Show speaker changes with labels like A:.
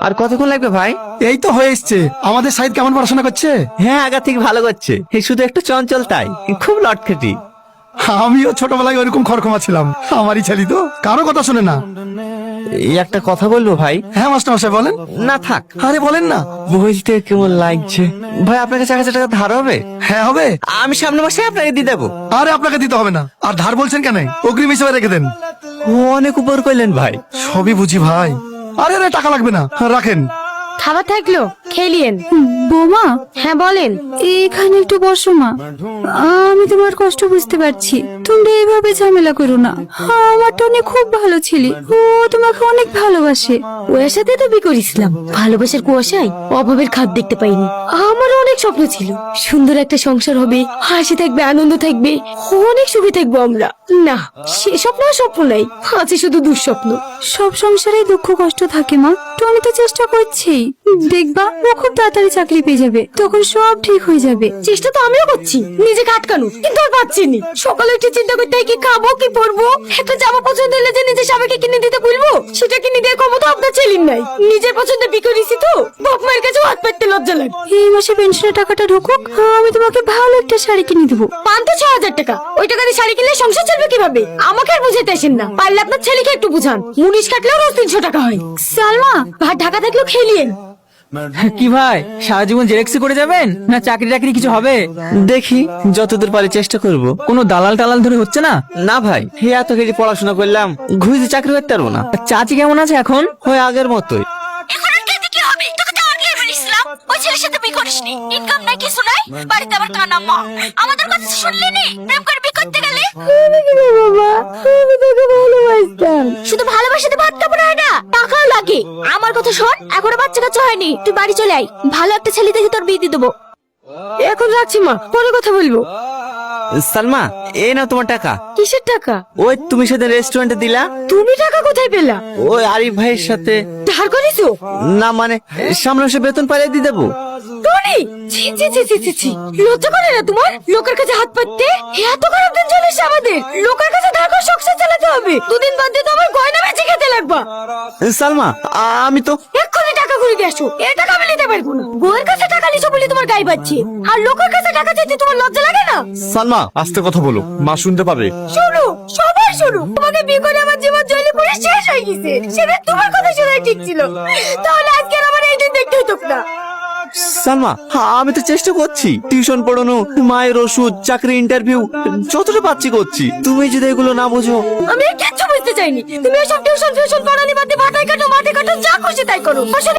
A: আর কতক্ষণ লাগবে ভাই?
B: এই তো হয়ে এসছে। আমাদের সাইদ কেমন পড়াশোনা করছে?
A: হ্যাঁ, আগা থেকে ভালো করছে, শুধু একটু চঞ্চল তাই, খুব লটখেটি।
B: আমিও ছোটবেলায় ওইরকম খড়খমা ছিলাম। আমারই ছেলে তো, কারো কথা শুনে না।
A: এই একটা কথা বলবো ভাই?
B: হ্যাঁ মাস্টার মশাই বলেন।
A: না থাক,
B: আরে বলেন না।
A: বলতে কেমন লাগছে ভাই, আপনার কাছে 1000 টাকা ধার হবে?
B: হ্যাঁ হবে।
A: আমি সামনের মাসে আপনাকে দিয়ে দেবো।
B: আরে আপনাকে দিতে হবে না। আর ধার বলছেন কেন? অগ্রিম হিসেবে রেখে দেন।
A: অনেক উপর করলেন ভাই।
B: সবই বুঝি ভাই। আরে আরে টাকা লাগবে না, রাখেন।
C: খাবার থাকলো খেলিয়েন।
D: বৌমা,
C: হ্যাঁ বলেন।
D: এখানে একটু বসো মা। আমি তোমার কষ্ট বুঝতে পারছি, তোমরা এইভাবে ঝামেলা করো না। আমার টনি খুব ভালো ছেলে, ও তোমাকে অনেক ভালোবাসে।
C: ওর সাথে তো বিয়ে করেছিলাম, ভালোবাসার কুয়াশায় অভাবের খাদ দেখতে পাইনি। আমারও অনেক স্বপ্ন ছিল, সুন্দর একটা সংসার হবে, হাসি থাকবে, আনন্দ থাকবে, অনেক সুখে থাকবো আমরা। না, সে স্বপ্ন আর স্বপ্ন নাই, আছে শুধু দুঃস্বপ্ন।
D: সব সংসারে দুঃখ কষ্ট থাকে মা, টনি তো চেষ্টা করছেই। দেখবা ও খুব তাড়াতাড়ি চাকরি পেয়ে যাবে, তখন সব ঠিক হয়ে যাবে।
C: চেষ্টা তো আমিও করছি নিজেকে আটকানো, কিন্তু আর পাচ্ছি নি। সকালে একটু চিন্তা করতে হয় কি খাবো কি পরবো, একটা জামা পছন্দ হলে যে নিজের স্বামীকে কিনে দিতে বলবো, সেটা কিনে দেওয়ার ক্ষমতা আপনার ছেলের নাই। নিজের পছন্দে বিয়ে করেছি তো, বাপ মায়ের কাছে হাত পাততে লজ্জা লাগে।
D: এই মাসে পেনশনের টাকাটা ঢুকুক, আমি তোমাকে ভালো একটা শাড়ি কিনে দেবো।
C: পান তো 6000 টাকা, ওই টাকা দিয়ে শাড়ি কিনলে সংসার চলবে কিভাবে? আমাকে আর বুঝাতে আসেন না, পারলে আপনার ছেলেকে একটু বুঝান। মুনিশ কাটলেও রোজ 300 টাকা হয়।
D: সালমা,
C: ভাত ঢাকা থাকলেও খেলিয়েন।
E: কি ভাই, সারা জীবন জেরেক্সি করে যাবেন না চাকরি টাকরি কিছু হবে?
A: দেখি, যতদূর পারি চেষ্টা করব।
E: কোনো দালাল টালাল ধরে হচ্ছে না?
A: না ভাই, হে এত কেজি পড়াশোনা করলাম, ঘুরে চাকরি করতে পারবো না।
E: চাচি কেমন আছে এখন?
A: হয় আগের মতোই।
C: এখন আর খেতে কি হবে? তোকে তো আগেই বলেছিলাম ওই ছেলের সাথে বিয়ে করিসনি। ইনকাম নাই, কিছু নাই, বাড়িতে আবার কানা মা। আমাদের কথা শুনলি নি? প্রেম করে বিয়ে করতে গেলে
D: বাবা, আমি তোকে ভালোবাসতাম।
C: শুধু ভালোবাসাতে ভাত কাপড় হয় না, টাকাও লাগে। আমার কথা শোন, এখনো বাচ্চা কাচ্চা হয়নি, তুই বাড়ি চলে আয়, ভালো একটা ছেলে দেখে তোর বিয়ে দিয়ে দেবো। এখন রাখছি মা, পরে কথা বলবো।
A: সালমা, এই নাও তোমার টাকা।
C: কিসের টাকা?
A: ওই তুমি সেদিন রেস্টুরেন্টে দিলা।
C: তুমি টাকা কোথায় পেলা?
A: ওই আরিফ ভাইয়ের সাথে।
C: ধার করেছো?
A: না মানে, সামনে মাসে বেতন পাইলে দিয়ে দেবো।
C: টনি, ছি ছি ছি ছি ছি ছি, লজ্জা করে না তোমার লোকের কাছে হাত পাততে? এত খারাপ দিন চলে এসেছে আমাদের, লোকের কাছে ধার করে সংসার চালাতে হবে। দুদিন বাদ দিয়ে তো আমার গয়না বেচে খেতে লাগবা।
A: সালমা, আমি তো
C: এক্ষুনি টাকা ঘুরে দিয়ে আসো, এই টাকা আমি নিতে পারবো না। বউয়ের কাছে টাকা নিছো বলে তোমার গায়ে বাজছে, আর লোকের কাছে টাকা চাইতে তোমার লজ্জা লাগে না?
F: সালমা, আস্তে কথা বলো, মা শুনতে পাবে।
C: শোনো, সবাই শোনো, তোমাকে বিয়ে করে আমার জীবন জ্বলে পুড়ে শেষ হয়ে গেছে। সেটা তোমার কথা শোনাই ঠিক ছিল, তাহলে আজকে আর আমার এই দিন দেখতে হতো না।
A: সালমা, আমি তো চেষ্টা করছি, টিউশন পড়ানো, মায়ের ওষুধ, চাকরি ইন্টারভিউ, যতটা পাচ্ছি করছি। তুমি যদি এগুলো না বোঝো।
C: আমি আর কিচ্ছু বুঝতে চাইনি। তুমি ওসব টিউশন ফিউশন পড়ানি বাদ দিয়ে ভাটাই কাটো, মাঠে কাটো, যা খুশি তাই করো। আসলে